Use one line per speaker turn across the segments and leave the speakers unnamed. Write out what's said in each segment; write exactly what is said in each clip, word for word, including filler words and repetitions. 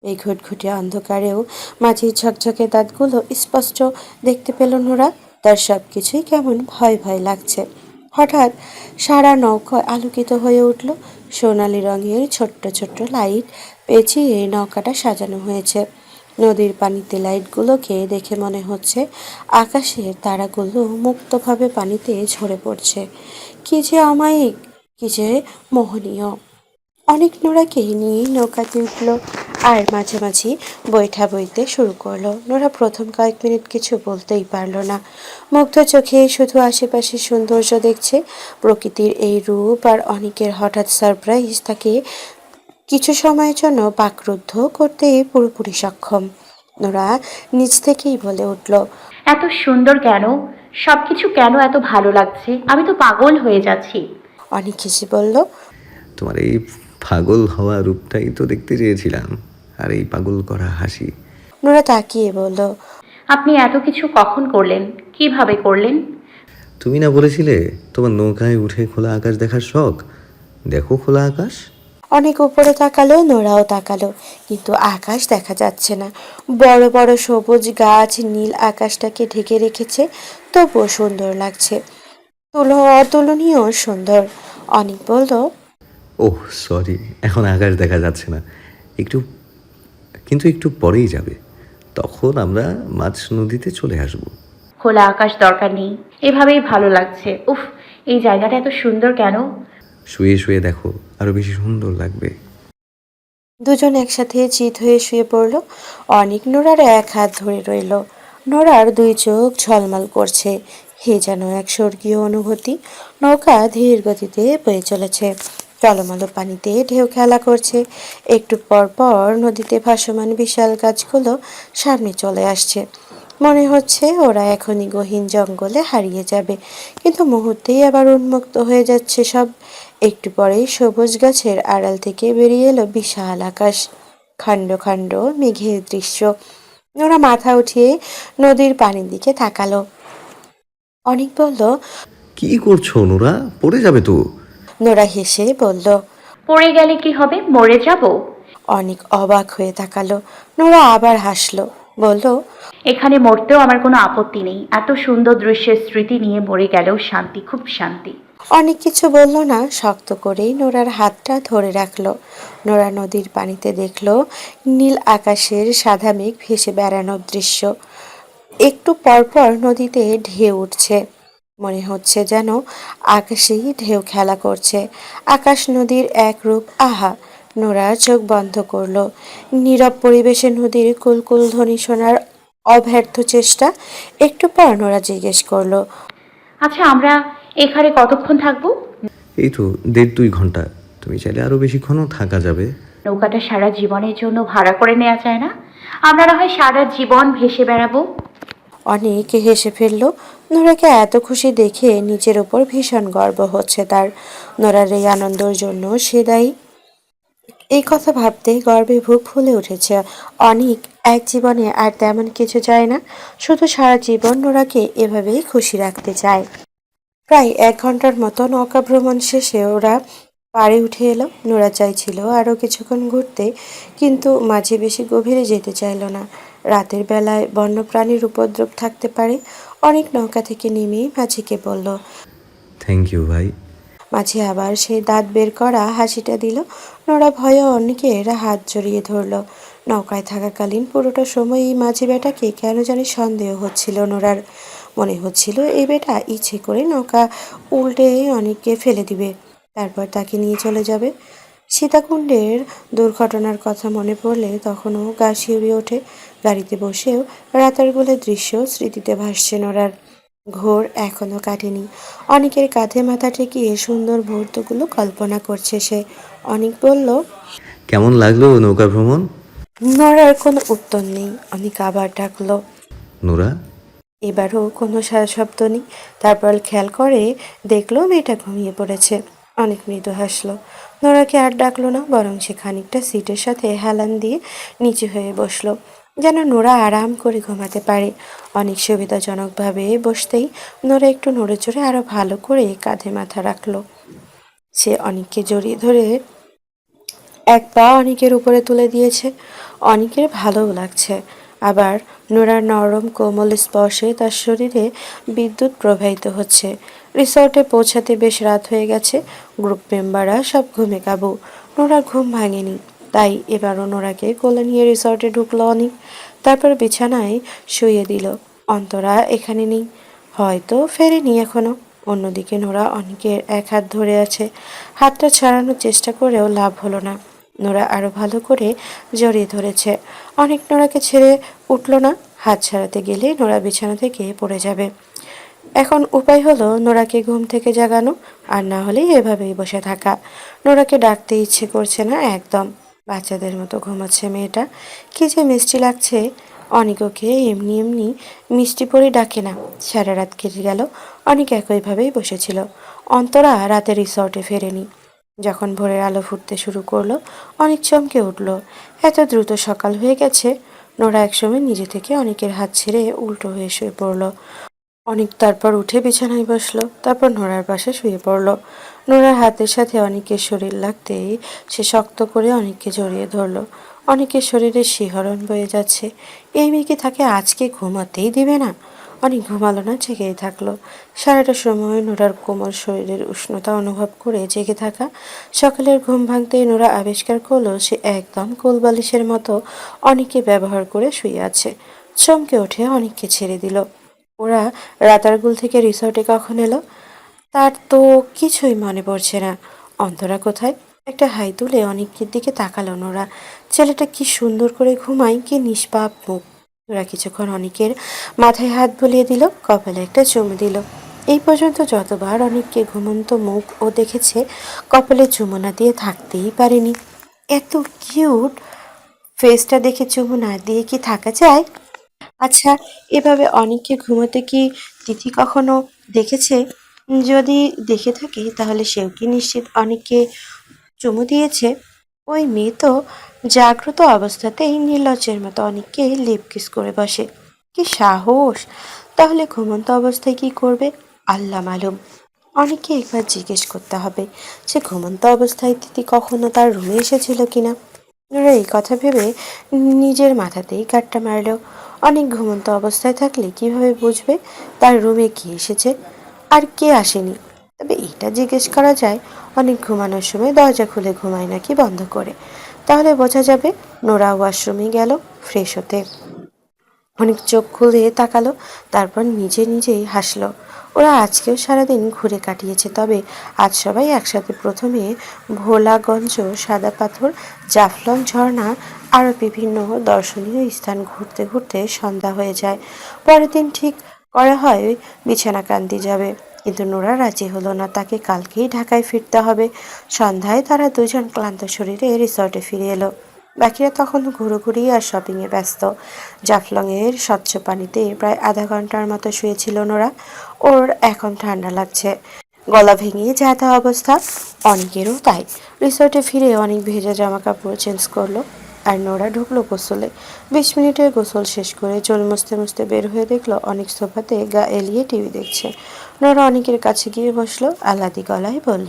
এই ঘুটঘুটে অন্ধকারেও মাঝির ঝকঝকে দাঁতগুলো স্পষ্ট দেখতে পেল নোরা। তার সব কিছুই কেমন ভয় ভয় লাগছে। হঠাৎ সারা নৌকা আলোকিত হয়ে উঠল। সোনালি রঙের ছোট্ট ছোট্ট লাইট পেঁচিয়ে নৌকাটা সাজানো হয়েছে। নদীর পানিতে লাইটগুলোকে দেখে মনে হচ্ছে আকাশের তারাগুলো মুক্তভাবে পানিতে ঝরে পড়ছে। কি যে অমায়িক, কি যে মোহনীয়। অনেক নোরাকে নিয়ে নৌকাতে উঠল আর মাঝামাঝি বৈঠা বইতে শুরু করলো। নোরা প্রথম কয়েক মিনিট কিছু বলতেই পারল না। মুগ্ধ চোখে শুধু আশেপাশের সৌন্দর্য দেখছে। প্রকৃতির এই রূপ আর অনেকের হঠাৎ সারপ্রাইজ তাকে কিছু সময়ের জন্য বাকরুদ্ধ করতে পুরোপুরি সক্ষম। নোরা নিজ থেকেই বলে উঠল,
এত সুন্দর কেন? সবকিছু কেন এত ভালো লাগছে? আমি তো পাগল হয়ে যাচ্ছি।
অনেক হেসে বলল,
তোমার এই পাগল হওয়া রূপটাই তো দেখতে চেয়েছিলাম, আর এই পাগল করা হাসি।
নোরা তাকিয়ে বলল,
আপনি এত কিছু কখন করলেন? কিভাবে করলেন?
তুমি না বলেছিলে তোমার নৌকায় উঠে খোলা আকাশ দেখার শখ? দেখো খোলা আকাশ।
অনেক উপরে তাকালো, নোরাও তাকালো, কিন্তু আকাশ দেখা যাচ্ছে না। বড় বড় সবুজ গাছ নীল আকাশটাকে ঢেকে রেখেছে, তবুও সুন্দর লাগছে। তুলো অতুলনীয় সুন্দর। অনেক বলল,
ওহ সরি, এখন আকাশ দেখা যাচ্ছে না, একটু কিন্তু একটু পরেই যাবে। তখন আমরা মাঝ নদীতে চলে আসব।
খোলা আকাশ দরকার নেই, এভাবেই ভালো লাগছে। উফ, এই জায়গাটা এত সুন্দর কেন?
শুয়ে শুয়ে দেখো, আরো বেশি সুন্দর লাগবে।
দুজন একসাথে চিত হয়ে শুয়ে পড়ল। অনেক নোরার এক হাত ধরে রইল। নোরার দুই চোখ ঝলমল করছে। হে যেন এক স্বর্গীয় অনুভূতি। নৌকা ধীর গতিতে বয়ে চলেছে। টলমলো পানিতে ঢেউ খেলা করছে। একটু পর পর নদীতে ভাসমান বিশাল গাছগুলো সামনে চলে আসছে। মনে হচ্ছে ওরা এখনই গহীন জঙ্গলে হারিয়ে যাবে, কিন্তু মুহূর্তেই আবার উন্মুক্ত হয়ে যাচ্ছে সব। একটু পরেই সবুজ গাছের আড়াল থেকে বেরিয়ে এলো বিশাল আকাশ, খণ্ড খণ্ড মেঘের দৃশ্য। ওরা মাথা উঠিয়ে নদীর পানির দিকে তাকালো। অনেক বলল,
কি করছো নোরা? পড়ে যাবে তো।
নোরা হেসে বলল।
পড়ে গেলে কি হবে? মরে যাব?
অনেক অবাক হয়ে তাকালো। নোরা আবার হাসলো, বলল,
এখানে মরতেও আমার কোনো আপত্তি নেই। এত সুন্দর দৃশ্যের স্মৃতি নিয়ে মরে গেলেও শান্তি, খুব শান্তি।
অনেক কিছু বলল না, শক্ত করেই নোরার হাতটা ধরে রাখলো। নোরা নদীর পানিতে দেখলো নীল আকাশের সাদা মেঘ ভেসে বেড়ানোর দৃশ্য। একটু পরপর নদীতে ঢেউ উঠছে। মনে হচ্ছে যেন আকাশেই ঢেউ খেলা করছে। আকাশ নদীর এক রূপ। আহা! নোরা চোখ বন্ধ করলো। নীরব পরিবেশে নদীর কুলকুল ধ্বনি শোনার অব্যর্থ চেষ্টা। একটু পর নোরা জিজ্ঞেস করলো,
আচ্ছা, আমরা এখানে কতক্ষণ থাকবো?
এই তো দেড় দুই ঘন্টা। তুমি চাইলে আরো বেশিক্ষণও থাকা যাবে।
নৌকাটা সারা জীবনের জন্য ভাড়া করে নেওয়া যায় না? আমরা না হয় সারা জীবন ভেসে বেড়াবো।
অনেক হেসে ফেলল। নোরাকে এত খুশি দেখে নিজের ওপর ভীষণ গর্ব হচ্ছে তার। নোরার এই আনন্দের জন্য সে দায়ী। এই কথা ভাবতেই গর্বে বুক ফুলে উঠেছে। অনেক এক জীবনে আর তেমন কিছু চায় না, শুধু সারা জীবন নোরাকে এভাবেই খুশি রাখতে চায়। প্রায় এক ঘন্টার মতো নৌকা ভ্রমণ শেষে ওরা পাড়ে উঠে এলো। নোরা চাইছিল আরও কিছুক্ষণ ঘুরতে, কিন্তু মাঝে বেশি গভীরে যেতে চাইল না। রাতের বেলায় বন্যপ্রাণীর উপদ্রব থাকতে পারে। অনেক নৌকা থেকে নেমে মাঝিকে বলল।
থ্যাংক ইউ ভাই।
মাঝি আবার সেই দাঁত বের করা হাসিটা দিল। নোরা ভয়ে অনেকের হাত জড়িয়ে ধরল। নৌকায় থাকাকালীন পুরোটা সময় এই মাঝি বেটাকে কেন জানি সন্দেহ হচ্ছিল নোরার। মনে হচ্ছিল এই বেটা ইচ্ছে করে নৌকা উল্টে অনেককে ফেলে দিবে, তারপর তাকে নিয়ে চলে যাবে। সীতাকুণ্ডের দুর্ঘটনার কথা মনে পড়লে তখনও গা শিউরে ওঠে। গাড়িতে বসেও রাতের গোলের দৃশ্য স্মৃতিতে ভাসছে নোরার। ঘোর এখনো কাটেনি। অনেকের কাঁধে মাথা ঠেকিয়ে সুন্দর মুহূর্তগুলো কল্পনা করছে সে। অনেক বলল,
কেমন লাগলো নৌকা ভ্রমণ?
নড়ার কোনো উত্তর নেই। অনেক আবার ডাকলো।
নোরা।
এবারও কোনো সারা শব্দ নেই। তারপর খেয়াল করে দেখলো মেয়েটা ঘুমিয়ে পড়েছে। অনেক মৃদু হাসলো। নোরাকে আর ডাকলো না, বরং সে খানিকটা সিটের সাথে হেলান দিয়ে নিচু হয়ে বসলো, যেন নোরা আরাম করে ঘুমাতে পারে। অনেক সুবিধাজনকভাবে বসতেই নোরা একটু নড়ে চড়ে আরো ভালো করে কাঁধে মাথা রাখলো। সে অনেককে জড়িয়ে ধরে এক পা অনেকের উপরে তুলে দিয়েছে। অনেকের ভালোও লাগছে। আবার নোরার নরম কোমল স্পর্শে তার শরীরে বিদ্যুৎ প্রবাহিত হচ্ছে। রিসর্টে পৌঁছাতে বেশ রাত হয়ে গেছে। গ্রুপ মেম্বাররা সব ঘুমে কাবু। নোরার ঘুম ভাঙেনি, তাই এবারও নোরাকে কোলে নিয়ে রিসর্টে ঢুকলো অনিক। তারপর বিছানায় শুইয়ে দিল। অন্তরা এখানে নেই, হয়তো ফেরেনি এখনো। অন্যদিকে নোরা অনিকের এক হাত ধরে আছে। হাতটা ছাড়ানোর চেষ্টা করেও লাভ হলো না। নোরা আরো ভালো করে জড়িয়ে ধরেছে। অনেক নোরাকে ছেড়ে উঠল না। হাত ছাড়াতে গেলে নোরা বিছানা থেকে পড়ে যাবে। এখন উপায় হলো নোরাকে ঘুম থেকে জাগানো, আর না হলে এভাবেই বসে থাকা। নোরাকে ডাকতে ইচ্ছে করছে না একদম। বাচ্চাদের মতো ঘুমাচ্ছে মেয়েটা। কি যে মিষ্টি লাগছে। অনেক ওকে এমনি এমনি মিষ্টি পরে ডাকে না। সারা রাত কেটে গেল, অনেক একইভাবেই বসেছিল। অন্তরা রাতে রিসর্টে ফেরেনি। যখন ভোরের আলো ফুটতে শুরু করলো, অনেক চমকে উঠল। এত দ্রুত সকাল হয়ে গেছে। নোরা একসময় নিজে থেকে অনেকের হাত ছেড়ে উল্টো হয়ে শুয়ে পড়ল। অনেক তারপর উঠে বিছানায় বসলো, তারপর নোরার পাশে শুয়ে পড়ল। নোরার হাতের সাথে অনেকের শরীর লাগতেই সে শক্ত করে অনেককে জড়িয়ে ধরল। অনেকের শরীরে শিহরণ বয়ে যাচ্ছে। এই মেয়ে কি তাকে আজকে ঘুমাতেই দিবে না? অনেক ঘুমালো না, জেগেই থাকলো। সারাটা সময় নোরার কোমল শরীরের উষ্ণতা অনুভব করে জেগে থাকা। সকালের ঘুম ভাঙতেই নোরা আবিষ্কার করলো সে একদম কোলবালিশের মতো অনেককে ব্যবহার করে শুয়ে আছে। চমকে উঠে অনেককে ছেড়ে দিল। ওরা রাতারগুল থেকে রিসর্টে কখন এলো তার তো কিছুই মনে পড়ছে না। অন্তরা কোথায়? একটা হাই তুলে অনেকের দিকে তাকালো নোরা। ছেলেটা কি সুন্দর করে ঘুমায়, কি নিষ্পাপ মুখ। ওরা কিছুক্ষণ অনেকের মাথায় হাত বুলিয়ে দিল, কপালে একটা চুমু দিল। এই পর্যন্ত যতবার অনেককে ঘুমন্ত মুখ ও দেখেছে, কপালে চুমু না দিয়ে থাকতেই পারেনি। এত কিউট ফেসটা দেখে চুমু না দিয়ে কি থাকা যায়? আচ্ছা, এভাবে অনেককে ঘুমোতে কি তিথি কখনো দেখেছে? যদি দেখে থাকে তাহলে সেও কি নিশ্চিত অনেককে চুমু দিয়েছে? ওই মেয়ে তো জাগ্রত অবস্থাতেই নির্লজ্জের মতো অনেককে লিপ কিস করে বসে। কি সাহস! তাহলে ঘুমন্ত অবস্থায় কি করবে আল্লাহ মালুম। অনেককে একবার জিজ্ঞেস করতে হবে সে ঘুমন্ত অবস্থায় তিথি কখনো তার রুমে এসেছিল কিনা। নোরা এই কথা ভেবে নিজের মাথাতেই গাঁটটা মারল। অনেক ঘুমন্ত অবস্থায় থাকলে কিভাবে বুঝবে তার রুমে কে এসেছে আর কে আসেনি? তবে এটা জিজ্ঞেস করা যায়, অনেক ঘুমানোর সময় দরজা খুলে ঘুমায় নাকি বন্ধ করে। তাহলে বোঝা যাবে। নোরা ওয়াশরুমে গেল ফ্রেশ হতে। অনেক চোখ খুলে তাকালো, তারপর নিজে নিজেই হাসলো। ওরা আজকেও সারাদিন ঘুরে কাটিয়েছে, তবে আজ সবাই একসাথে প্রথমে ভোলাগঞ্জ, সাদা পাথর, জাফলং ঝর্ণা আরও বিভিন্ন দর্শনীয় স্থান ঘুরতে ঘুরতে সন্ধ্যা হয়ে যায়। পরের দিন ঠিক করা হয় বিছানাকান্দি যাবে, কিন্তু নোরা রাজি হলো না। তাকে কালকেই ঢাকায় ফিরতে হবে। সন্ধ্যায় তারা দুজন ক্লান্ত শরীরে রিসর্টে ফিরে এলো। বাকিরা তখন ঘুরোঘুরি আর শপিংয়ে ব্যস্ত। জাফলংয়ের স্বচ্ছ পানিতে প্রায় আধা ঘন্টার মতো শুয়েছিল নোরা। ওর এখন ঠান্ডা লাগছে, গলা ভেঙে যাতা অবস্থা। অনেকেরও তাই। রিসর্টে ফিরে অনেক ভেজা জামা কাপড় চেঞ্জ করলো, আর নোরা ঢুকলো গোসলে। বিশ মিনিটের গোসল শেষ করে চুল মুছতে মুছতে বের হয়ে দেখলো অনেক সোফাতে গা এলিয়ে টিভি দেখছে। নোরা অনেকের কাছে গিয়ে বসলো, আহ্লাদি গলায় বলল।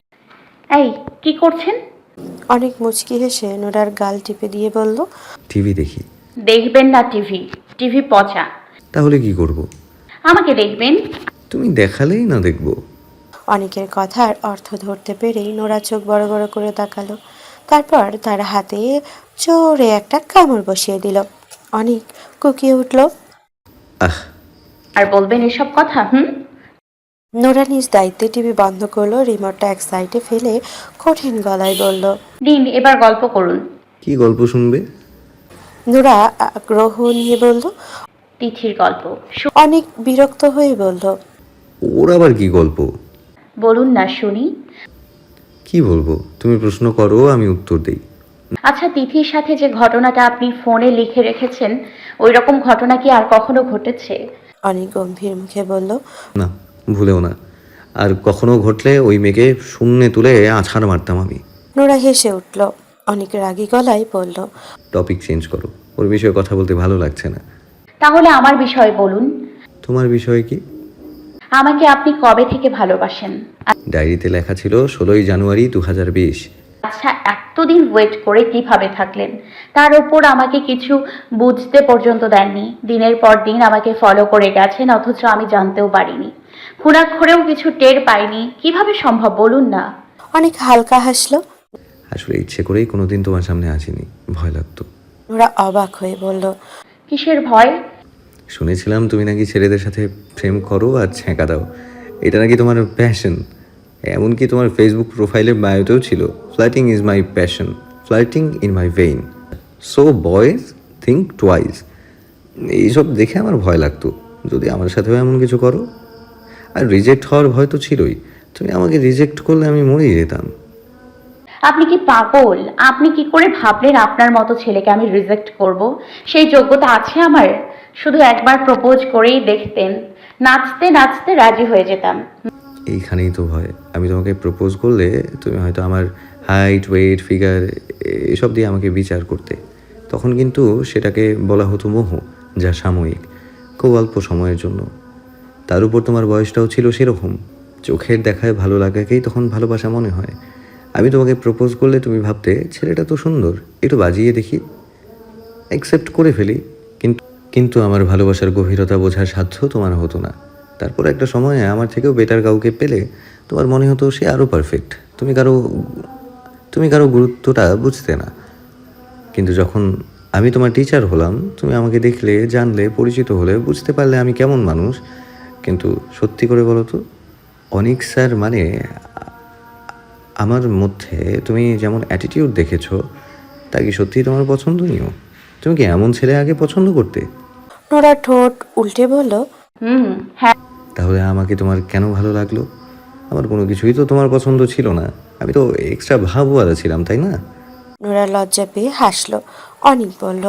এই, কি করছেন?
অনেক মুচকি হেসে নোরার গাল টিপে দিয়ে বলল,
টিভি দেখি।
দেখবেন না টিভি, টিভি পচা।
তাহলে কি করব?
আমাকে দেখবেন।
তুমি দেখালেই না দেখবো।
অনেকের কথার অর্থ ধরতে পেরেই নোরা চোখ বড় বড় করে তাকালো। তারপর তার হাতে জোরে একটা কামড় বসিয়ে দিল। অনেক কুকিয়ে উঠল।
আহ,
আর বলবেন এসব কথা? হুম।
নোরা নিজ দায়িত্বে টিভি বন্ধ করলো, রিমোটটা এক সাইডে ফেলে কঠিন গলায় বলল,
দিন, এবার গল্প করুন।
কি গল্প শুনবে?
নোরা আগ্রহ নিয়ে বলল।
তিথির গল্প। শু-
অনেক বিরক্ত হয়ে বলল,
ওর আবার কি গল্প?
বলুন না শুনি।
কি বলবো? তুমি প্রশ্ন করো, আমি উত্তর দেই।
আচ্ছা, তিথির সাথে যে ঘটনাটা আপনি ফোনে লিখে রেখেছেন, ওই রকম ঘটনা কি আর কখনো ঘটেছে?
অনেক গম্ভীর মুখে বলল।
না, ভুলেও না। আর কখনো ঘটলে ওই মেয়েকে শূন্যে তুলে আছাড় মারতাম আমি।
নোরা হেসে উঠল। অনেক রাগী গলায় বলল,
টপিক চেঞ্জ করো, ওর বিষয়ে কথা বলতে ভালো লাগছে না।
তাহলে আমার বিষয়ে বলুন।
তোমার বিষয় কি?
আমাকে আপনি কবে থেকে ভালোবাসেন?
ডায়েরিতে লেখা ছিল ষোলোই জানুয়ারি দু হাজার বিশ।
আচ্ছা, এতদিন ওয়েট করে কিভাবে থাকলেন? তার উপর আমাকে কিছু বুঝতে পর্যন্ত দেননি। দিনের পর দিন আমাকে ফলো করে গেছেন, অথচ আমি জানতেও পারিনি। খুনাক্ষরেও কিছু টের পাইনি। কিভাবে সম্ভব বলুন না?
অনেক হালকা হাসলো।
আসলে ইচ্ছে করেই কোনোদিন তোমার সামনে আসিনি, ভয় লাগতো।
নোরা অবাক হয়ে বলল,
কিসের ভয়?
শুনেছিলাম তুমি নাকি ছেলেদের সাথে প্রেম করো আর ছ্যাঁকা দাও, এটা নাকি তোমার প্যাশন। এমনকি তোমার ফেসবুক প্রোফাইলের বায়োতেও ছিল, flirting is my passion, flirting in my vein, so boys think twice. এইসব দেখে আমার ভয় লাগতো, যদি আমার সাথেও এমন কিছু করো। আর রিজেক্ট হওয়ার ভয় তো ছিলই, তুমি আমাকে রিজেক্ট করলে আমি মরেই যেতাম।
আপনি কি পাগল? আপনি কি করে ভাবলেন আপনার মতো ছেলেকে আমি রিজেক্ট করব? সেই যোগ্যতা আছে আমার? শুধু একবার প্রপোজ করেই দেখতেন, নাচতে নাচতে রাজি হয়ে যেতাম।
এইখানেই তো ভয়, আমি তোমাকে প্রপোজ করলে তুমি হয়তো আমার হাইট, ওয়েট, ফিগার এসব দিয়ে আমাকে বিচার করতে। তখন কিন্তু সেটাকে বলা হতো মোহ, যা সাময়িক, খুব অল্প সময়ের জন্য। তার উপর তোমার বয়সটাও ছিল সেরকম, চোখের দেখায় ভালো লাগাকেই তখন ভালোবাসা মনে হয়। আমি তোমাকে প্রপোজ করলে তুমি ভাবতে ছেলেটা তো সুন্দর, একটু বাজিয়ে দেখি, অ্যাকসেপ্ট করে ফেলি। কিন্তু কিন্তু আমার ভালোবাসার গভীরতা বোঝার সাধ্য তোমার হতো না। তারপর একটা সময়ে আমার থেকেও বেটার কাউকে পেলে তোমার মনে হতো সে আরও পারফেক্ট। তুমি কারো তুমি কারো গুরুত্বটা বুঝতে না। কিন্তু যখন আমি তোমার টিচার হলাম, তুমি আমাকে দেখলে, জানলে, পরিচিত হলে, বুঝতে পারলে আমি কেমন মানুষ। কিন্তু সত্যি করে বলো তো, অনিক স্যার মানে আমার মধ্যে তুমি যেমন অ্যাটিটিউড দেখেছো, তা কি সত্যিই তোমার পছন্দনীয়? তুমি কি এমন ছেলে আগে পছন্দ করতে?
নোরা ঠোঁট উল্টে বলল,
হুম, হ্যাঁ।
তাহলে আমাকে তোমার কেন ভালো লাগলো? আমার কোনো কিছুই তো তোমার পছন্দ ছিল না, আমি তো এক্সট্রা ভাবওয়ালা ছিলাম, তাই না?
নোরা লজ্জা পেয়ে হাসলো। অনিক বলল,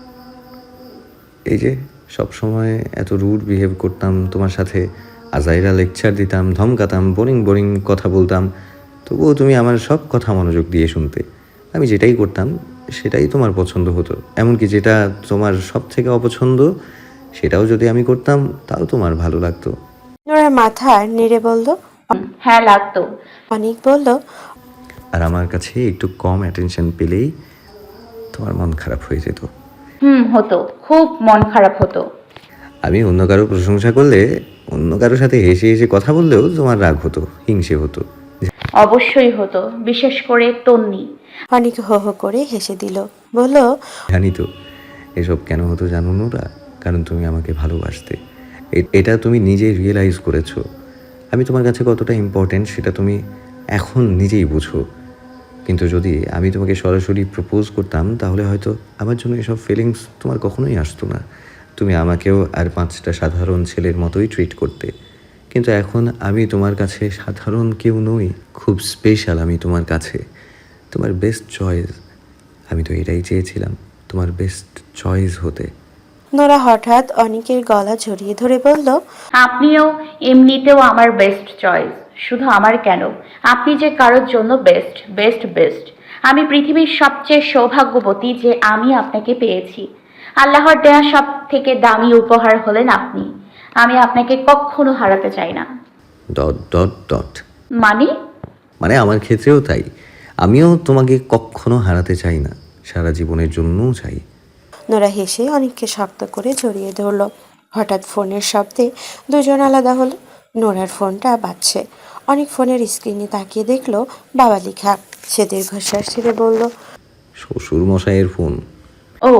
এই যে সব সময় এত রুড বিহেভ করতাম তোমার সাথে, আজাইরা লেকচার দিতাম, ধমকাতাম, বোরিং বোরিং কথা বলতাম, তবুও তুমি আমার সব কথা মনোযোগ দিয়ে শুনতে। আমি যেটাই করতাম সেটাই তোমার পছন্দ হতো, এমনকি যেটা তোমার সব থেকে অপছন্দ সেটাও যদি আমি করতাম তাও তোমার ভালো লাগতো।
নোরা মাথা নেড়ে বলল।
হুম, হ্যাঁ লাগতো।
অনিক বলল,
আর আমার কাছে একটু কম অ্যাটেনশন পেলেই তোমার মন খারাপ হয়ে যেত।
হুম, হতো, খুব মন খারাপ হতো।
আমি অন্য কারো প্রশংসা করলে, অন্য কারোর সাথে হেসে হেসে কথা বললেও তোমার রাগ হতো, হিংসে হতো।
অবশ্যই হতো, বিশেষ করে তন্নি।
অনিক হো হো করে হেসে দিল। বলল,
জানি তো এসব কেন হতো, জানো নোরা? কারণ তুমি আমাকে ভালোবাসতে। এ- এটা তুমি নিজেই রিয়েলাইজ করেছো। আমি তোমার কাছে কতটা ইম্পর্ট্যান্ট সেটা তুমি এখন নিজেই বুঝো। কিন্তু যদি আমি তোমাকে সরাসরি প্রপোজ করতাম তাহলে হয়তো আমার জন্য এসব ফিলিংস তোমার কখনোই আসতো না। তুমি আমাকেও আর পাঁচটা সাধারণ ছেলের মতোই ট্রিট করতে। কিন্তু এখন আমি তোমার কাছে সাধারণ কেউ নই, খুব স্পেশাল আমি তোমার কাছে, তোমার বেস্ট চয়েস। আমি তো এটাই চেয়েছিলাম, তোমার বেস্ট চয়েস হতে।
নোরা হঠাৎ অনিকের গলা জড়িয়ে ধরে বলল,
আপনিও এমনিতেও আমার বেস্ট চয়েস। শুধু আমার কেন, আপনি যে কারোর জন্য বেস্ট বেস্ট বেস্ট। আমি পৃথিবীর সবচেয়ে সৌভাগ্যবতী যে আমি আপনাকে পেয়েছি। আল্লাহর দেয়া সব থেকে দামি উপহার হলেন আপনি। আমি আপনাকে কখনো হারাতে চাই না।
Dot dot dot.
মানে?
মানে আমার ক্ষেত্রেও তাই, আমিও তোমাকে কখনো হারাতে চাই না, সারা জীবনের জন্যও চাই।
নোরা হেসে অনিককে শক্ত করে জড়িয়ে ধরল। হঠাৎ ফোনের শব্দে দুজন আলাদা হলো। নোরার ফোনটা বাজছে। অনেক ফোনের স্ক্রিনে তাকিয়ে দেখলো বাবা লেখা। সে দীর্ঘশ্বাস ছেড়ে বলল,
শ্বশুর মশাইয়ের ফোন।
ও,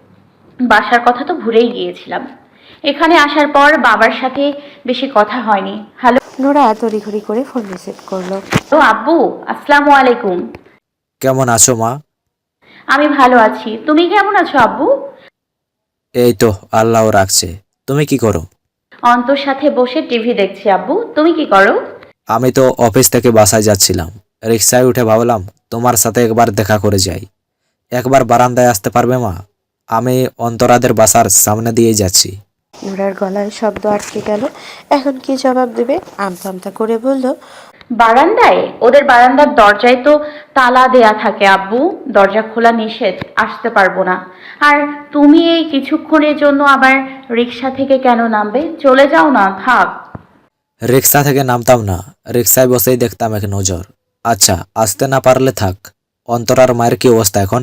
বাসার কথা তো ভুলেই গিয়েছিলাম। এখানে আসার পর বাবার সাথে বেশি কথা হয়নি। হ্যালো।
নোরা তড়িঘড়ি করে ফোন রিসিভ করলো।
ও আব্বু, আসসালামু আলাইকুম।
কেমন আছো মা?
আমি ভালো আছি, তুমি কেমন আছো আব্বু?
এই তো আল্লাহ রাখছে। তুমি কি করো?
অন্তর সাথে বসে টিভি দেখছি আব্বু, তুমি কি করো?
আমি তো অফিস থেকে বাসায় যাচ্ছিলাম, রিক্সায় উঠে ভাবলাম তোমার সাথে একবার দেখা করে যাই। একবার বারান্দায় আসতে পারবে মা? আমি অন্তরাদের বাসার সামনে দিয়ে যাচ্ছি।
নোরার গলায় শব্দ আটকে গেল। এখন কি জবাব দেবে? আমতা আমতা করে বলল,
বারান্দায়? ওদের বারান্দার দরজায় তো তালা দেয়া থাকে আব্বু, দরজা খোলা নিষেধ, আসতে পারবো না। আর তুমি এই কিছুক্ষণের জন্য আবার রিক্সা থেকে কেন নামবে? চলে যাও না, থাক।
রিক্সা থেকে নামতাম না, রিক্সায় বসেই দেখতাম এক নজর। আচ্ছা, আসতে না পারলে থাক, অন্তরার মায়ের কি অবস্থা এখন?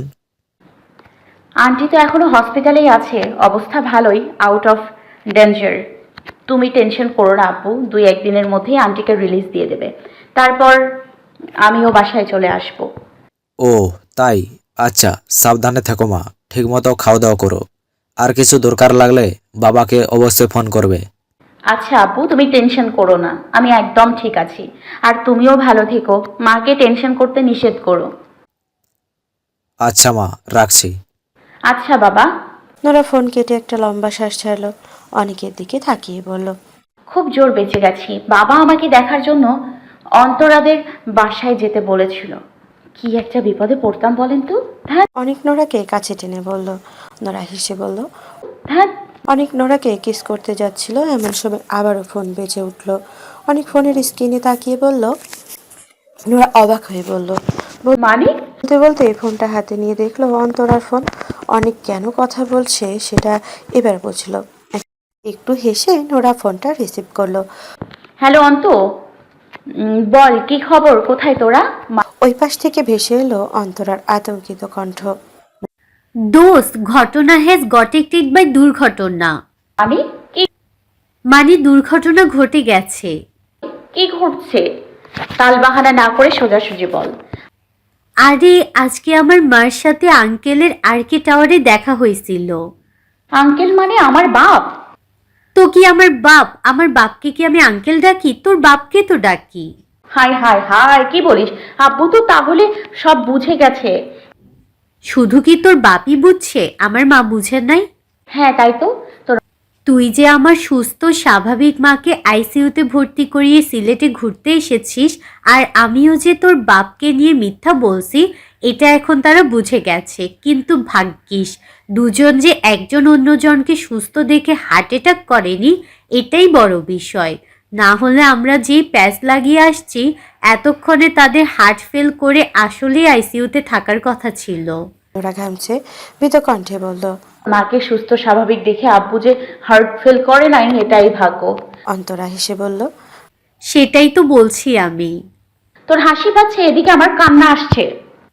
আন্টি তো এখনো হসপিটালেই আছে, অবস্থা ভালোই, আউট অফ ডেঞ্জার। তুমি টেনশন করো না আপু, দুই একদিনের মধ্যেই আন্টিকে রিলিজ দিয়ে দেবে, তারপর আমিও বাসায় চলে আসবো।
ও তাই, আচ্ছা সাবধানে থেকো মা, ঠিকমতো খাওয়া দাওয়া করো। আর কিছু দরকার লাগলে বাবাকে অবশ্যই ফোন করবে।
আচ্ছা আপু, তুমি টেনশন করো না, আমি একদম ঠিক আছি। আর তুমিও ভালো থেকো, মাকে টেনশন করতে নিষেধ করো।
আচ্ছা মা, রাখছি।
আচ্ছা বাবা।
নোরা ফোন কেটে একটা লম্বা শ্বাস ছাড়লো। অনেকের দিকে তাকিয়ে বলল,
খুব জোর বেঁচে গেছি, বাবা আমাকে দেখার জন্য অন্তরাদের বাসায় যেতে বলেছিল। কি একটা বিপদে পড়তাম বলেন তো। ধ্যাত
অনেক নোরাকে কাছে টেনে বলল। নোরা হেসে বলল।
ধ্যাত।
অনেক নোরাকে কিস করতে যাচ্ছিল, এমন সময় আবারও ফোন বেজে উঠল। অনেক ফোনের স্ক্রিনে তাকিয়ে বলল। নোরা অবাক হয়ে বলল।
মানে?
বলতে বলতে ফোনটা হাতে নিয়ে দেখলো অন্তরার ফোন। অনেক কেন কথা বলছে সেটা এবার বুঝলো। একটু হেসে নোরা ফোনটা রিসিভ করলো।
হ্যালো অন্ত, উম, বল কি খবর, কোথায় তোরা? মা-
ওই পাশ থেকে ভেসে এলো অন্তরার আতঙ্কিত কণ্ঠ।
দোস্ত, ঘটনা হ্যাজ গট টেড বাই দুর্ঘটনা।
আমি কি
মানে দুর্ঘটনা ঘটে গেছে।
কি ঘটছে? তালবাহানা না করে সোজাসুজি বল।
আরে আজকে আমার মার সাথে আঙ্কেলের আরকে টাওয়ারে দেখা হয়েছিল।
আঙ্কেল মানে আমার বাপ?
তো কি আমার বাপ? আমার বাপকে কি আমি আঙ্কেল ডাকি? তোর বাপকে তো ডাকি।
হাই হাই হাই, কি বলিস? আব্বু তো তাহলে সব বুঝে গেছে।
শুধু কি তোর বাপই বুঝছে, আমার মা বুঝে নাই?
হ্যাঁ তাই তো। তোর
তুই যে আমার সুস্থ স্বাভাবিক মাকে আইসিইউতে ভর্তি করিয়ে সিলেটে ঘুরতে এসেছিস, আর আমিও যে তোর বাপকে নিয়ে মিথ্যা বলছি, এটা এখন তারা বুঝে গেছে। কিন্তু ভাগ্যিস দুজন যে একজন অন্যজনকে সুস্থ দেখে হার্ট অ্যাটাক করেনি, এটাই বড় বিষয়। না হলে আমরা যেই প্যাচ লাগিয়ে আসছি, এতক্ষণে তাদের হার্ট ফেল করে আসলেই আইসিইউতে থাকার কথা ছিল।
নোরা ঘামছে, ভীত কণ্ঠে বলল।
মাকে সুস্থ স্বাভাবিক দেখে আব্বু যে হার্ট ফেল করে নাই, এটাই ভাগ্য।
অন্তরা হেসে বলল।
সেটাই তো বলছি আমি।
তোর হাসি পাচ্ছে, এদিকে আমার কান্না আসছে।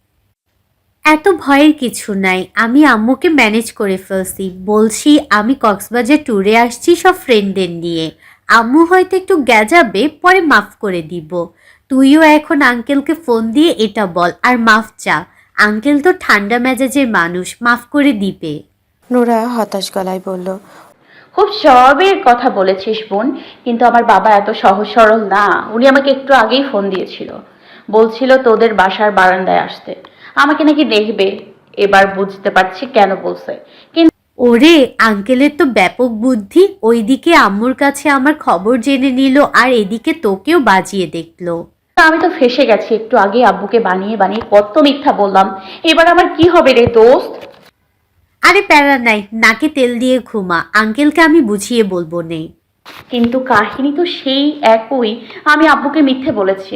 এত ভয়ের কিছু নাই, আমি আম্মুকে ম্যানেজ করে ফেলছি। বলছি আমি কক্সবাজার ট্যুরে আসছি সব ফ্রেন্ডদের নিয়ে। আম্মু হয়তো একটু গ্যাজাবে, পরে মাফ করে দিব। তুইও এখন আঙ্কেলকে ফোন দিয়ে এটা বল আর মাফ চা। আঙ্কেল তো ঠান্ডা মেজাজের মানুষ, মাফ করে দিবে।
নোরা হতাশ গলায় বলল।
খুব স্বভাবের কথা বলেছিস বোন, কিন্তু আমার বাবা এত সহজ সরল না। উনি আমাকে একটু আগেই ফোন দিয়েছিল, বলছিল তোদের বাসার বারান্দায় আসতে, আমাকে নাকি দেখবে। এবার বুঝতে পারছি কেন বলছে। কিন্তু
ওরে, আঙ্কেলের তো ব্যাপক বুদ্ধি। ওইদিকে আম্মুর কাছে আমার খবর জেনে নিল, আর এদিকে তোকেও বাজিয়ে দেখলো।
আমি তো ফেসে গেছি, একটু আগে আব্বুকে বানিয়ে বানিয়ে কত মিথ্যা বললাম। এবার আমার কি হবে রে দোস্ত?
আরে প্যারা নাই, নাকে তেল দিয়ে ঘুমা, আঙ্কেলকে আমি বুঝিয়ে বলবো নে।
কিন্তু কাহিনী তো সেই একই, আমি আব্বুকে মিথ্যে বলেছি।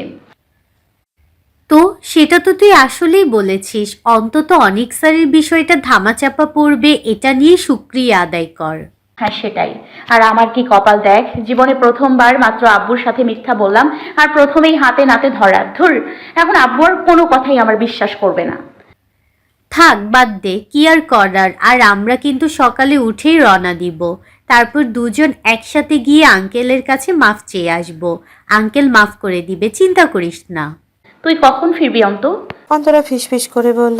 তো সেটা তো তুই আসলেই বলেছিস। অন্তত অনেক স্যারের বিষয়টা ধামাচাপা পড়বে, এটা নিয়ে শুক্রিয়া আদায় কর।
হ্যাঁ সেটাই। আর আমার কি কপাল দেখ, জীবনে প্রথমবার মাত্র আব্বুর সাথে মিথ্যা বললাম, আর প্রথমেই হাতে নাতে ধরা। ধুর, এখন আব্বুর কোনো কথাই আমার বিশ্বাস করবে না।
থাক বাদ দে, কি আর করার। আর আমরা কিন্তু সকালে উঠেই রওনা দিব। তারপর দুজন একসাথে গিয়ে আঙ্কেলের কাছে মাফ চেয়ে আসবো। আঙ্কেল মাফ করে দিবে, চিন্তা করিস না।
তুই কখন ফিরবি অন্ত?
অন্তরা ফিসফিস করে বলল।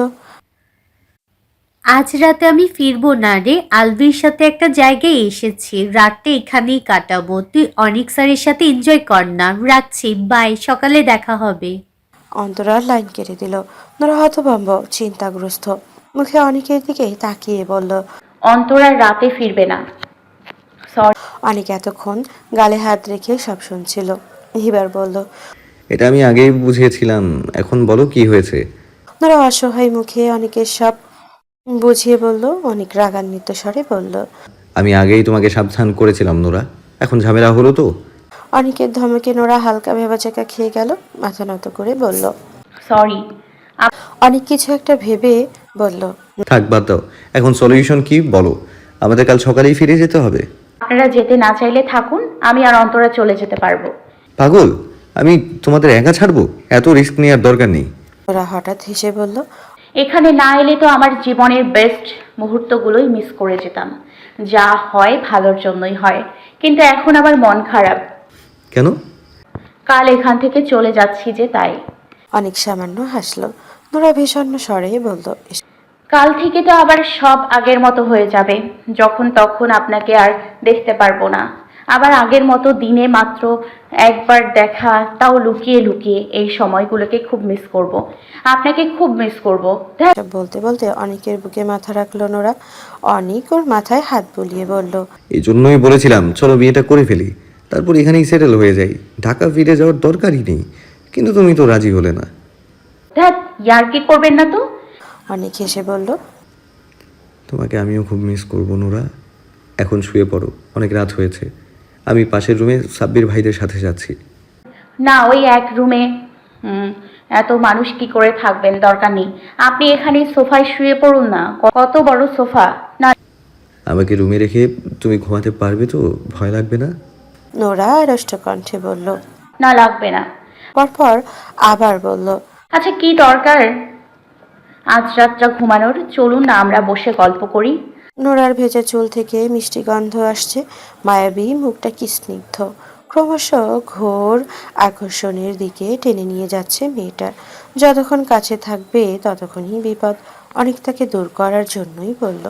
আজ রাতে আমি ফিরবো না রে, আলভির সাথে একটা জায়গায় এসেছি, রাতটা এখানেই কাটাবো। তুই অনেক স্যারের সাথে এনজয় কর না। রাখছি, বাই, সকালে দেখা হবে।
অন্তরার লাইন কেটে দিল। নোরা হতভম্ব, চিন্তাগ্রস্ত মুখে অনেকের দিকে তাকিয়ে বলল।
অন্তরার রাতে ফিরবে না। সরি।
অনেক এতক্ষণ গালে হাত রেখে সব শুনছিল। এবার বলল।
এটা আমি আগেই বুঝিয়েছিলাম, এখন বলো কি হয়েছে।
নোরা অসহায় মুখে অনেকের সব বুঝিয়ে বলল। অনেক রাগান্বিত স্বরে বলল।
আমি আগেই তোমাকে সাবধান করেছিলাম নোরা, এখন ঝামেলা হলো তো।
অনেকের ধমকে নোরা হালকা ভেবাচাকা খেয়ে গেল, মাথা নত করে বলল।
সরি।
অনেক কিছু একটা ভেবে বলল।
থাক বাদ দাও, এখন সলিউশন কি বলো। আমাদের কাল সকালেই ফিরে যেতে হবে।
আপনারা যেতে না চাইলে থাকুন, আমি আর অন্তরা চলে যেতে পারবো।
পাগল, আমি তোমাদের একা ছাড়বো? এত রিস্ক নেওয়ার দরকার নেই।
ওরা হঠাৎ হেসে বলল,
এখানে না এলে তো আমার জীবনের বেস্ট মুহূর্তগুলোই মিস করে যেতাম। যা হয় ভালোর জন্যই হয়, কিন্তু এখন আমার মন খারাপ।
কেন?
কাল এখান থেকে চলে যাচ্ছি যে তাই।
অনেক সামান্য হাসলো। নোরা বিষণ্ণ স্বরে বলল,
কাল থেকে তো আবার সব আগের মতো হয়ে যাবে। যখন তখন আপনাকে আর দেখতে পারবো না। আবার আগের মতো দিনে মাত্র একবার দেখা, তাও লুকিয়ে লুকিয়ে। এই সময়গুলোকে খুব মিস করব। আপনাকে খুব মিস করব। ধ্যাৎ,
এসব বলতে বলতে অনেকের বুকে মাথা রাখলো নোরা। অনেক ওর মাথায় হাত বুলিয়ে বলল,
এই জন্যই বলেছিলাম চলো বিয়েটা করে ফেলি, তারপর এখানেই সেটেল হয়ে যাই, ঢাকা ফিরে যাওয়ার দরকারই নেই। কিন্তু তুমি তো রাজি হলে না।
ধ্যাৎ, ইয়ার্কি করবেন না তো।
অনেক হেসে বলল,
তোমাকে আমিও খুব মিস করবো নোরা। এখন শুয়ে পড়ো, অনেক রাত হয়েছে। আমি পাশের রুমে সাব্বির ভাইদের সাথে যাচ্ছি।
না, ওই এক রুমে হুম এত মানুষ কি করে থাকবেন, দরকার নেই। আপনি এখানে সোফায় শুয়ে পড়ুন না। কত বড় সোফা। না,
আমাকে রুমে রেখে তুমি ঘুমাতে পারবে তো? ভয় লাগবে না?
নোরা রষ্ট কণ্ঠে বলল।
না লাগবে না।
পরপর আবার বলল,
আচ্ছা, কি দরকার আজ রাতটা ঘুমানোর? চলুন না আমরা বসে গল্প করি।
নোরার ভেজা চুল থেকে মিষ্টি গন্ধ আসছে, মায়াবী মুখটা কি স্নিগ্ধ, ক্রমশ ঘোর আকর্ষণের দিকে টেনে নিয়ে যাচ্ছে মেয়েটা। যতক্ষণ কাছে থাকবে ততক্ষণই বিপদ। অনেক তাকে দূর করার জন্যই বলল,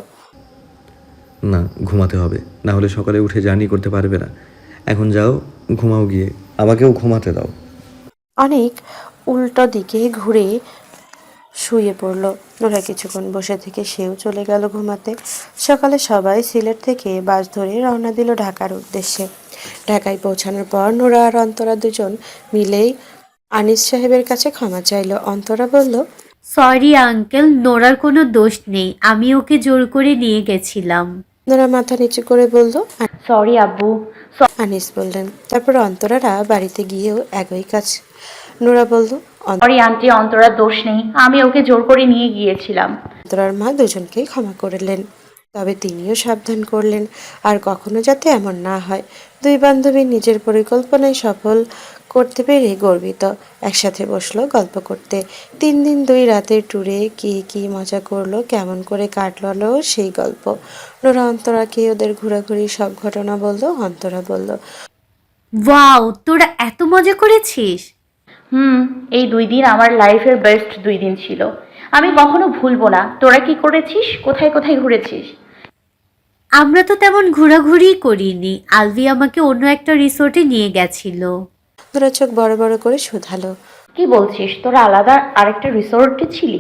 না, ঘুমাতে হবে, না হলে সকালে উঠে জার্নি করতে পারবে না। এখন যাও, ঘুমাও গিয়ে, আমাকেও ঘুমাতে দাও।
অনেক উল্টো দিকে ঘুরে শুয়ে পড়ল। নোরা কিছুক্ষণ বসে থেকে সেও চলে গেল ঘুমাতে। সকালে সবাই সিলেট থেকে বাস ধরে রওনা দিল ঢাকার উদ্দেশ্যে। ঢাকায় পৌঁছানোর পর নোরা আর অন্তরা দুজন মিলেই আনিস সাহেবের কাছে ক্ষমা চাইল। অন্তরা বলল,
সরি আঙ্কেল, নোরার কোনো দোষ নেই, আমি ওকে জোর করে নিয়ে গেছিলাম।
নোরা মাথা নিচু করে বলল।
সরি আব্বু।
আনিস বললেন। তারপর অন্তরারা বাড়িতে গিয়েও একই কাজ। নোরা বলল,
সরি আন্টি, অন্তরার দোষ নেই, আমি ওকে জোর করে নিয়ে গিয়েছিলাম।
অন্তরার মা দুজনকেই ক্ষমা করলেন, তবে তিনিও সাবধান করলেন আর কখনো যাতে এমন না হয়। দুই বান্ধবী নিজের পরিকল্পনায় সফল করতে পেরে গর্বিত। একসাথে বসলো গল্প করতে। তিন দিন দুই রাতের ট্যুরে কি কি মজা করলো, কেমন করে কাটলো সেই গল্প। নোরা অন্তরাকে ওদের ঘোরাঘুরি সব ঘটনা বলল। অন্তরা বলল,
ওয়াও, তোরা এত মজা করেছিস।
হুম এই দুই দিন আমার লাইফের বেস্ট দুই দিন ছিল। আমি কখনো ভুলবো না। তোরা কি করেছিস? কোথায় কোথায় ঘুরেছিস?
আমরা তো তেমন ঘোরাঘুরি করিনি, আলভি আমাকে অন্য একটা রিসোর্টে নিয়ে গেছিল।
নোরা চোখ বড় বড় করে শুধালো,
কি বলছিস? তোরা আলাদা আরেকটা রিসোর্টে ছিলি?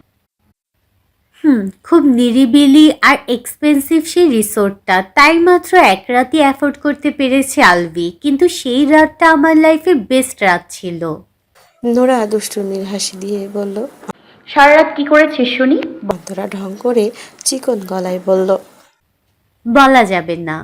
হুম খুব নিরিবিলি আর এক্সপেন্সিভ সেই রিসোর্টটা, তাই মাত্র এক রাতই অ্যাফোর্ড করতে পেরেছে আলভি, কিন্তু সেই রাতটা আমার লাইফের বেস্ট রাত ছিল।
নোরা দুষ্টুমির হাসি দিয়ে বলল।
সারা রাত কি করেছিস শুনি?
অন্তরা ঢং করে চিকন গলায় বলল।
বলা যাবে না।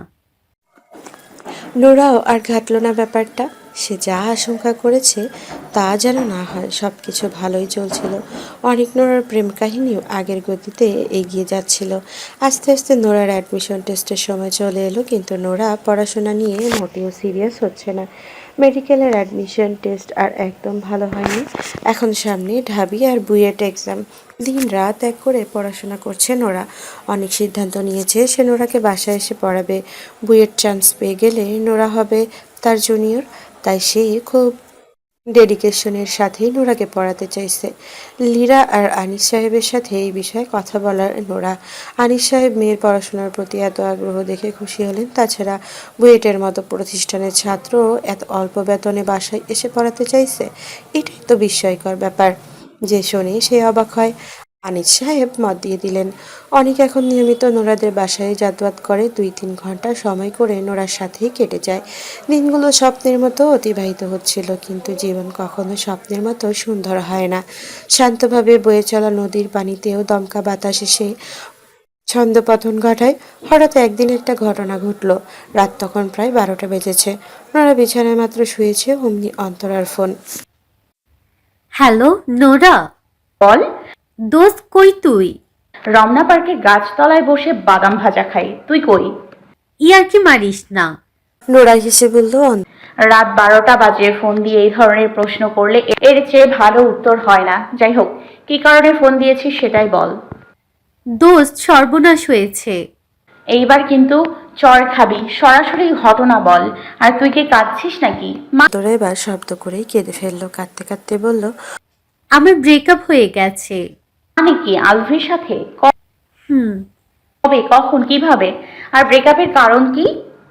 নোরাও আর ঘাটল না ব্যাপারটা। সে যা আশঙ্কা করেছে তা যেন না হয়। সব কিছু ভালোই চলছিল। অনেক নোরার প্রেম কাহিনীও আগের গতিতে এগিয়ে যাচ্ছিল। আস্তে আস্তে নোরার অ্যাডমিশন টেস্টের সময় চলে এলো, কিন্তু নোরা পড়াশোনা নিয়ে মোটেও সিরিয়াস হচ্ছে না। মেডিকেলের অ্যাডমিশন টেস্ট আর একদম ভালো হয়নি। এখন সামনে ঢাবি আর বুয়েট এক্সাম। দিন রাত এক করে পড়াশোনা করছে নোরা। অনেক সিদ্ধান্ত নিয়েছে সে নোরাকে বাসায় এসে পড়াবে। বুয়েট চান্স পেয়ে গেলে নোরা হবে তার জুনিয়র। তাই সে খুব ডেডিকেশনের সাথেই নোরাকে পড়াতে চাইছে। লীরা আর আনিস সাহেবের সাথে এই বিষয়ে কথা বলার নোরা। আনিস সাহেব মেয়ের পড়াশোনার প্রতি এত আগ্রহ দেখে খুশি হলেন। তাছাড়া বুয়েটের মতো প্রতিষ্ঠানের ছাত্র এত অল্প বেতনে বাসায় এসে পড়াতে চাইছে, এটাই তো বিস্ময়কর ব্যাপার। যে শোনে সে অবাক হয়। আনিস সাহেব মত দিয়ে দিলেন। অনেক এখন নিয়মিত নোরাদের বাসায় যাতায়াত করে। দুই তিন ঘন্টা সময় করে নোরার সাথেই কেটে যায়। দিনগুলো স্বপ্নের মতো অতিবাহিত হচ্ছিল, কিন্তু জীবন কখনো স্বপ্নের মতো সুন্দর হয় না। শান্তভাবে বয়ে চলা নদীর পানিতেও দমকা বাতাস এসে ছন্দপতন ঘটায়। হঠাৎ একদিন একটা ঘটনা ঘটল। রাত তখন প্রায় বারোটা বেজেছে। নোরা বিছানায় মাত্র শুয়েছে, অমনি অন্তরার ফোন।
Hello Nora.
বল।
দোস্ত কই তুই?
রমনা পার্কের গাছতলায় বসে বাদাম ভাজা খাই। তুই কই?
ইয়ার কি মারিস না।
নোরা হেসে বলল,
রাত বারোটা বাজে ফোন দিয়ে এই ধরনের প্রশ্ন করলে এর চেয়ে ভালো উত্তর হয় না। যাই হোক, কি কারণে ফোন দিয়েছিস সেটাই বল।
দোস্ত, সর্বনাশ হয়েছে।
এইবার কিন্তু চর খাবি, সরাসরি ঘটনা বল। আর তুই কি কাঁদছিস নাকি? মা
অন্তরা এবার শব্দ করেই কেঁদে ফেললো। কাঁদতে কাঁদতে বলল,
আমার ব্রেকআপ হয়ে গেছে।
মানে কি আলভির সাথে?
হুম।
কবে, কখন, কিভাবে? আর ব্রেকআপের কারণ কি?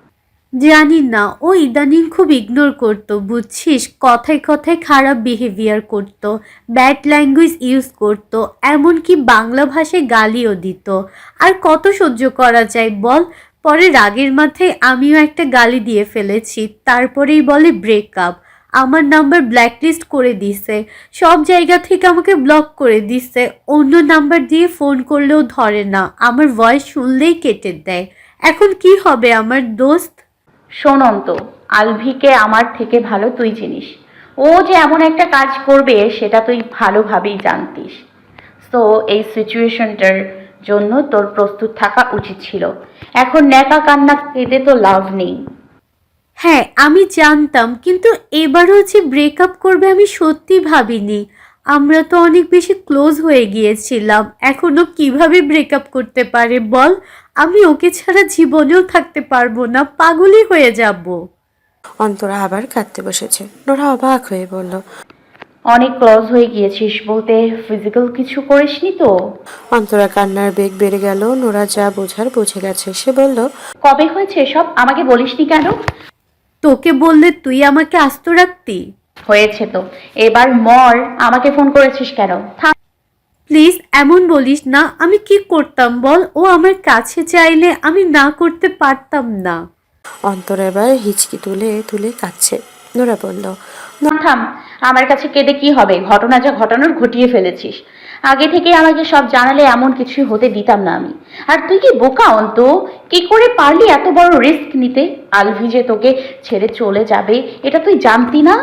জানি না, ও ইদানিং খুব ইগনোর করতো, বুঝছিস, কথায় কথায় খারাপ বিহেভিয়ার করতো, ব্যাড ল্যাঙ্গুয়েজ ইউজ করতো, এমনকি বাংলা ভাষায় গালিও দিত। আর কত সহ্য করা যায় বল? পরে রাগের মাথায় আমিও একটা গালি দিয়ে ফেলেছি, তারপরেই বলে ব্রেকআপ। আমার নাম্বার ব্ল্যাকলিস্ট করে দিছে, সব জায়গা থেকে আমাকে ব্লক করে দিছে, অন্য নাম্বার দিয়ে ফোন করলেও ধরে না, আমার ভয়েস শুনলেই কেটে দেয়। এখন কি হবে আমার দোস্ত?
শোন অন্ত, আলভিকে আমার থেকে ভালো তুই চিনিস। ও যে এমন একটা কাজ করবে সেটা তুই ভালোভাবেই জানতিস। তো এই সিচুয়েশনটার জন্য তোর প্রস্তুত থাকা উচিত ছিল। এখন ন্যাকা কান্না কেঁদে তো লাভ নেই।
হ্যাঁ, আমি জানতাম, কিন্তু এবারও যে ব্রেকআপ করবে আমি সত্যি ভাবিনি। আমরা তো অনেক বেশি ক্লোজ হয়ে গিয়েছিলাম, এখনো কিভাবে ব্রেকআপ করতে পারে বল? আমি ওকে ছাড়া জীবনেও থাকতে পারবো না, পাগলই হয়ে যাব।
অন্তরা আবার কাঁদতে বসেছে। নোরা অবাক হয়ে বলল,
অনেক ক্লোজ হয়ে গিয়েছিস বলতে ফিজিক্যাল কিছু করিসনি তো?
অন্তরা কান্নার বেগ বেড়ে গেল। নোরা যা বোঝার বুঝে গেছে। সে বলল,
কবে হয়েছে এসব? আমাকে বলিসনি কেন?
তোকে বললে তুই আমাকে আস্ত রাখতি?
হয়েছে তো, এবার মর। আমাকে ফোন করেছিস কেন? থাম।
প্লিজ এমন বলিস না, আমি কি করতাম বল? ও আমার কাছে চাইলে আমি না করতে পারতাম না।
অন্তরা এবার হিচকি তুলে তুলে কাঁদছে। নোরা বলল,
থাম। আমার কাছে কেঁদে কি হবে? ঘটনা যা ঘটানোর ঘটিয়ে ফেলেছিস। আগে থেকে আমাকে সব জানালে এমন কিছুই হতে দিতাম না আমি। আর তুই কি বোকা অন্ত? কি করে পারলি এত বড় রিস্ক নিতে? আলভি যে তোকে ছেড়ে চলে যাবে এটা তুই জানতি না?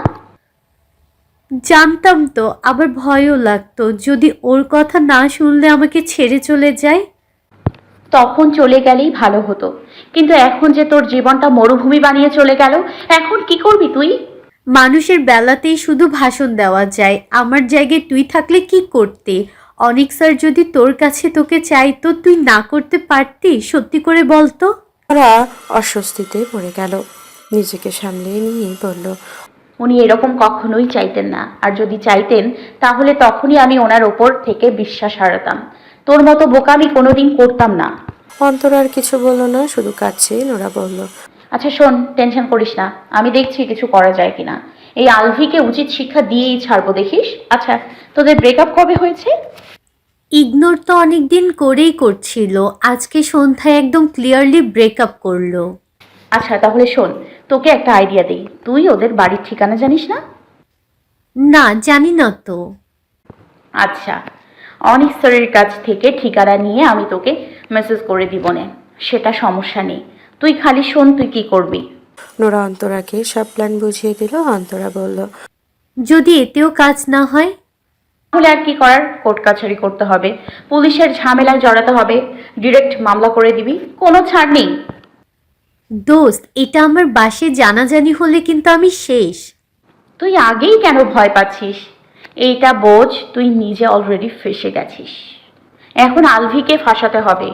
জানতাম তো, আবার ভয়ও লাগতো, যদি ওর কথা না শুনলে আমাকে ছেড়ে চলে যায়।
তখন চলে গেলেই ভালো হতো, কিন্তু এখন যে তোর জীবনটা মরুভূমি বানিয়ে চলে গেল, এখন কি করবি তুই?
মানুষের বেলাতেই শুধু ভাষণ দেওয়া যায়, আমার জায়গায় তুই থাকলে কি করতে? অনেক স্যার যদি তোর কাছে তোকে চাইতো, তুই না করতে পারতি? সত্যি করে বলতো।
নোরা অস্বস্তিতে পড়ে গেল। নিজেকে সামলিয়ে নিয়ে বলল,
উনি এরকম কখনোই চাইতেন না, আর যদি চাইতেন তাহলে তখনই আমি ওনার ওপর থেকে বিশ্বাস হারাতাম। তোর মতো বোকামি কোনোদিন করতাম না।
অন্তরা আর কিছু বলল না, শুধু কাঁদছে। নোরা বলল,
আচ্ছা শোন, টেনশন করিস না, আমি দেখছি কিছু করা যায় কিনা। এই আলভিকে উচিত শিক্ষা দিয়েই ছাড়বো, দেখিস। আচ্ছা, তোদের ব্রেকআপ কবে হয়েছে?
ইগনোর তো অনেক দিন করেই করছিল, আজকে সন্ধ্যায় একদম ক্লিয়ারলি ব্রেকআপ করলো।
আচ্ছা তাহলে শোন, তোকে একটা আইডিয়া দিই। তুই ওদের বাড়ির ঠিকানা জানিস না?
না, জানি না তো।
আচ্ছা, অনিক স্যারের কাছ থেকে ঠিকানা নিয়ে আমি তোকে মেসেজ করে দিব নে, সেটা সমস্যা নেই। তুই খালি শোন তুই কি করবি।
নোরা অন্তরাকে সব প্ল্যান বুঝিয়ে দিল। অন্তরা বলল,
যদি এতেও কাজ না হয়?
তাহলে আর কি করার, কোর্ট কাছারি করতে হবে, পুলিশের ঝামেলায় জড়াতে হবে, ডিরেক্ট মামলা করে দিবি, কোনো ছাড় নেই।
দোস্ত, এটা আমার বাসে জানাজানি হলে কিন্তু আমি শেষ।
তুই আগেই কেন ভয় পাচ্ছিস? এইটা বোঝ, তুই নিজে অলরেডি ফেসে গেছিস। এখন আলভিকে ফাঁসাতে হবে,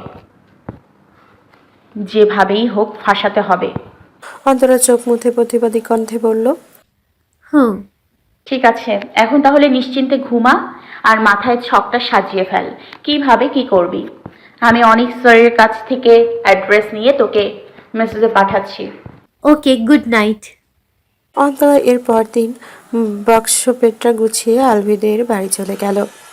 যেভাবেই হোক ফাঁসাতে হবে।
অন্তরা চোখ মুছে প্রতিবাদী কণ্ঠে বলল,
হুম।
ঠিক আছে, এখন তাহলে নিশ্চিন্তে ঘুমা আর মাথায় ছকটা সাজিয়ে ফেল, কিভাবে কি করবি। আমি অনিক স্যারের কাছ থেকে অ্যাড্রেস নিয়ে তোকে মেসেজে পাঠাচ্ছি।
ওকে, গুড নাইট।
অন্তরা এর পর দিন বক্স পেটটা গুছিয়ে আলভিদের বাড়ি চলে গেল।